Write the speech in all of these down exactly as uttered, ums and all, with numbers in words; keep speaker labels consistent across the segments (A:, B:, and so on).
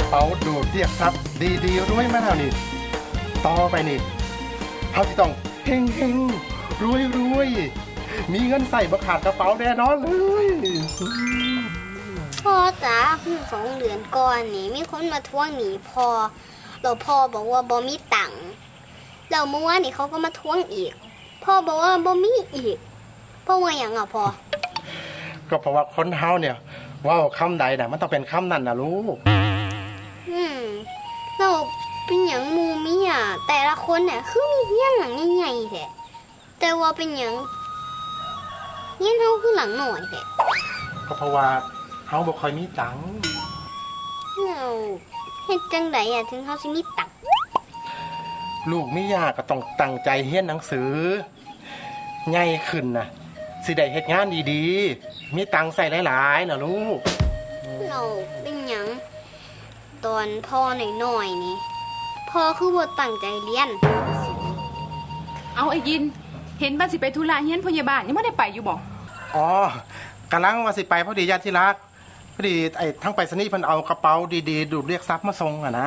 A: เป๋าดูดเรียกทรัพย์ดีๆรวยมาแล้วนี่ต่อไปนี่เขาจะต้องเฮงเฮงรวยรวยมีเงินใส่บัขาดกระเป๋าแน่นอนเลย
B: พ่อจ๋าสองเดือนก่อนนี่มีคนมาทวงหนี้พ่อเราพ่อบอกว่าบ่มีตังค์แล้วเมื่อวานนี่เขาก็มาทวงอีกพ่อบอกว่าบ่มีอีกพ่อว่าอย่างอ่ะพ่อ
A: ก็เพราะว่าคนเฮาเนี่ยว่าคำใดน่ะมันต้องเป็นคำนั้นนะลูก
B: อืมเราเป็นอย่างหมูมีอ่ะแต่ละคนเนี่ยคือมีเฮี้ยนหลังใหญ่ๆแท้แต่ว่าเป็นอย่างเฮี้ยนเฮาคือหลังหน่อยแท้
A: ก็เพราะว่าเฮาบ่ค่อยมีตังค์
B: เราเฮ็ดจังไดอ่ะถึงเฮาสิมีตังค์
A: ลูกไม่ยากก็ต้องตั้งใจเรียนหนังสือใหญ่ขึ้นน่ะสิได้เฮ็ดงานดีๆมีตังค์ใส่หลายๆนะลูก
B: เราเป็นหยังตอนพ่อหน่อยๆนี่พ่อคือบ่ตั้งใจเรียน
C: เอาไอ้ยิน เห็นบ้านสิไปธุระเฮียนพยาบาลยังไม่ได้ไปอยู่บ่
A: อ๋อกำลังว่าสิไปพอดีญาติที่รักพอดีไอ้ทั้งไปสนีย์เพิ่นเอากระเป๋าดีๆดูดเรียกทรัพย์มาส่งอ่ะนะ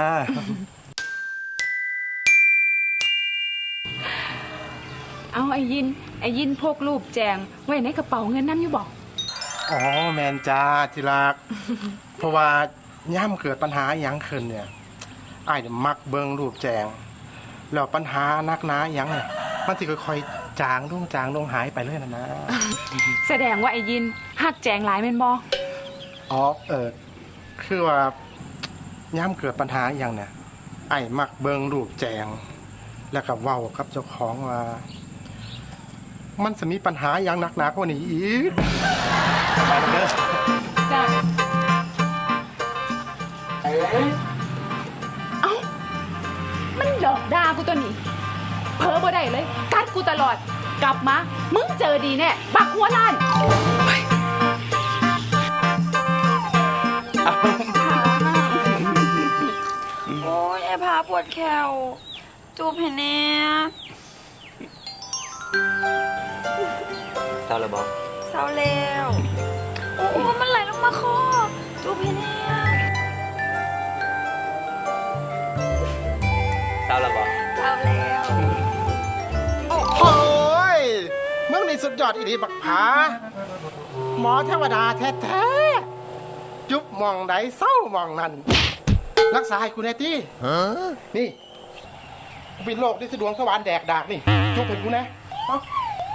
C: เอาไอ้ยิน ไอ้ยินพกรูปแจงไว้ในกระเป๋าเงินน้ำอยู่บ่
A: อ๋อแมนจ้าที่รัก เพราะว่าย่ำเกิดปัญหาอหย่างขึ้นเนี่ยอ้ายเนี่ยมักเบิ่งรูปแจงแล้วปัญหานักหนาอหย่างเนี่ยมันสิค่อยๆจางลงจางลงหายไปเลยนะนะ
C: แสดงว่าไอ้ยินหักแจงหลายแม่นบ่
A: อ๋อเออคือว่าย่ำเกิดปัญหาอหย่างเนี่ยไอ้มักเบิ่งรูปแจง แล้วก็เว้ากับเจ้าของว่า มันจะมีปัญหาอย่างหนักหนากว่านี้อีกไปเด้อ
C: จ้ะเอ้ามันหลอกด่ากูตัวนี้เพ้อบ่ได้เลย กัดกูตลอด กลับมา มึงเจอดีแน่บักหัวล้าน
D: โอ้ยไอ้พาปวดแขวจูบเห็นแน่
E: เศร้าแล้วบอก
D: เศร้าแล้วโอ้โหมันไหลลงมาคอจูบเห็นแน่
E: เศร้าแล้วบอก
D: เศร้าแล้ว
A: โอ้ยเมื่อนี่สุดยอดอีดีบักผาหมอเทวดาแท้ๆจุบมองไหนเศร้ามองนั่นรักษาให้คุณแน่ตี้นี่กูเป็นโรคที่สะดวงสวรรค์แดกดากนี่จุบเป็นกูนะเอ้า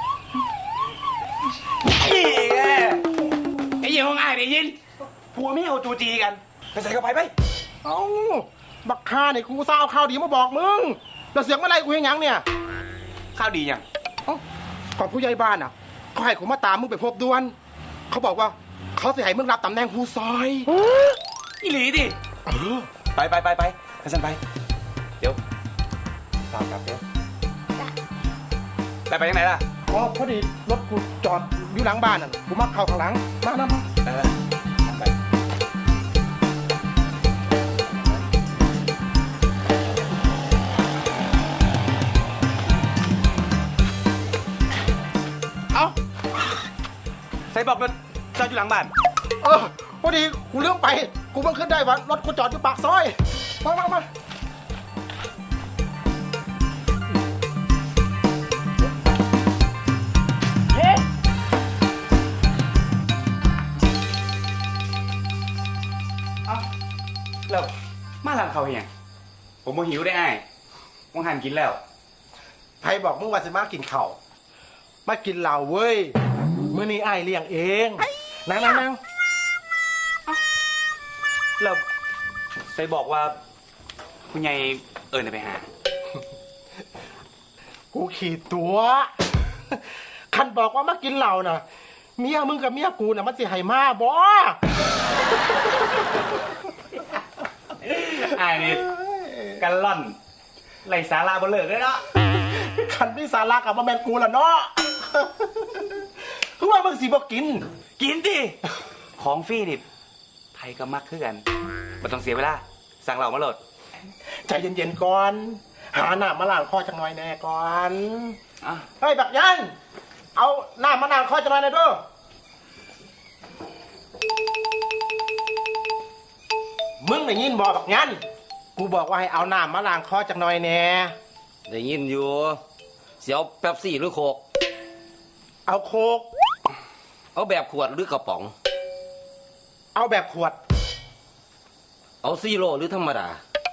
E: ไอ้ยินของอ้ายไอ้ยินผัวไม่เอาจูจีกันไปใส่เข้าไปไป
A: เอ้าบักคาเนี่ยกูเศร้าข้าวดีมาบอกมึงแล้วเสียงเมื่อไรกูเห็นยังเนี่ย
E: ข้าวดียัง
A: เอ้าก่อนผู้ใหญ่บ้านอ่ะเขาให้ผมมาตามมึงไปพบด่วนเขาบอกว่าเขาจะให้มึงรับตำแหน่งผู้ซอย
E: อีหลีดิ
A: เออ
E: ไปไปไปไปไปสันไป เดี๋ยวตามกลับเดี๋ยวไปไปยังไงล่ะ
A: อ๋อพอดีรถกูจอดอยู่หลังบ้านอ่ะกูมักเข้าข้างหลังมานะมา
E: เออไป เอาใส่บอกรถจอดอยู่หลังบ้าน
A: เออพอดีกูเลื่องไปกูเพิ่งขึ้นได้ว่ารถกูจอดอยู่ปากซอยมามามา
E: เอาแล้วมาหลังเขาเฮียงผมโมหิวได้ไอ้มองหันกินแล้ว
A: ใครบอกมึงว่าสิมากินข้าวมากินเหล้าเว้ยมื้อนี้ไอ้ายเลี้ยงเองนั่งนั่งนั่ง
E: แล้วใส่บอกว่าคุณยายเอิญไปหา
A: กูขี่ตัวคันบอกว่ามากินเหล้าน่ะเมียมึงกับเมียกูน่ะมันสิให้มาบ่
E: ไอ้นี่กันล่อนไรสาราบนเลิกเลยเนาะ
A: คันที่สาระกับมาแมนกูล่ะเนาะ คือว่ามึงสิบ่กิน
E: กินดิของฟรีนี่ไทยก็มักคือกันไม่ต้องเสียเวลาสั่งเหล่ามาโหลด
A: ใจเย็นๆก่อน หาหน้ามาล้างคอจังหน่อยแน่ก่อน
E: อ่ะ
A: เฮ้ยบักยันเอาหน้ามาล้างคอจังหน่อยแน่ด้วยมึงได้ยินบอกแบบงั้นกูบอกว่าให้เอาน้ำมาล้างคอจักหน่อยแน่
F: ได้ยินอยู่เสียวแป๊บซี่หรือโคก
A: เอาโคก
F: เอาแบบขวดหรือกระป๋อง
A: เอาแบบขวด
F: เอาซีโร่หรือธรรมดา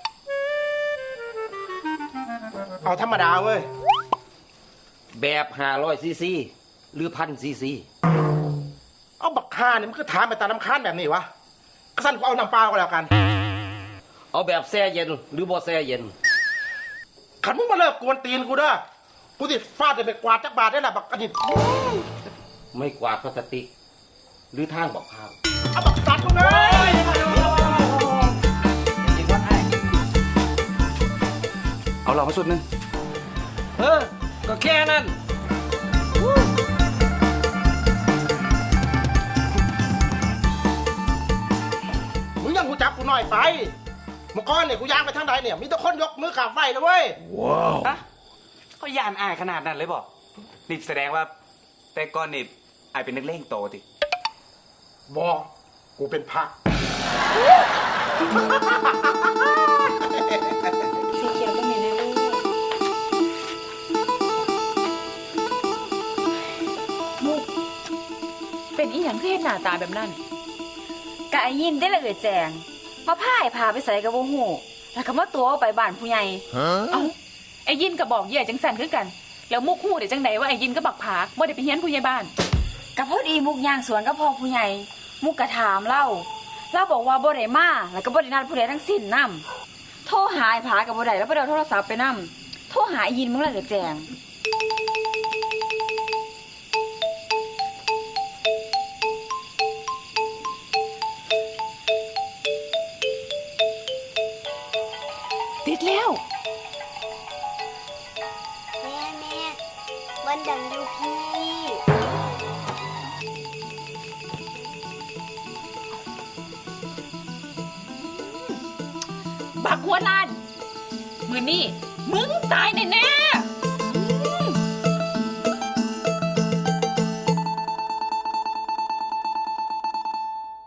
A: เอาธรรมดาเว้ย
F: แบบห้าร้อยซีซีหรือพันซีซี
A: เอาบักคาเนี่ยมันคือถามไปตามน้ำค้านแบบนี้วะก็สั่นกูเอาน้ำเปล่าก็แล้วกัน
F: เอาแบบแช่เย็นหรือบ่แช่เย็น
A: ขันมึงมาเลิกกวนตีนกูเด้อ กูติดฟาดเลยไปกวาดจักบาทได้ละบักอันนี้
F: ไม่กวาดพลาสติก หรือทางบอกพาว
A: เอาบักสัตว์กูเลย
E: เอาเรามาสุดหนึง
F: เออก็แค่นั้น
A: มึงยังกูจับกูหน่อยไปเมื่อก่อนเนี่ยกูย่างไปทางใดเนี่ย มีแต่คนยกมือกราบไหว้เลยเว้ย
E: อะเขายานอายขนาดนั้นเลยบอกนี่แสดงว่า แต่ก่อนนี่อายเป็นนักเลงโตติ
A: บอกกูเป็นพระ
D: สีเขียวก็มีเลยมุกเป็นอีหยังที่เห็นหน้าตาแบบนั้น
G: กะไอ้ยินได้ละเอ่ยแจงมาพายพาไปใส่กับบ่ฮู้แล้วก็มาตัวเอาไปบ้านผู้ใหญ่
C: เอ้าไอ้ยินก็บอกเหย่จังสันคือกัน แล้วมุกฮู้ได้จังไดว่าไอ้ยินก็บักผาบ่ได้ไปเฮียนผู้ใหญ่บ้าน
G: ก็พอดีมุกย่างสวนกับพ่อผู้ใหญ่มุกกะถามเล่าเล่าบอกว่าบ่ได้มาแล้วก็บ่ได้นัดผู้ใดทั้งสิ้นนํโทรหาไอ้ผากับบ่ได้แล้วบ่ได้เอาโทรศัพท์ไปนํโทรหาไอ้ยินมึงละเอ่ยแจง
C: ติดแล้ว
B: แม่แม่วันดังอยู่พี่
C: บักหัวลานมือนี่มึงตายแน่ๆ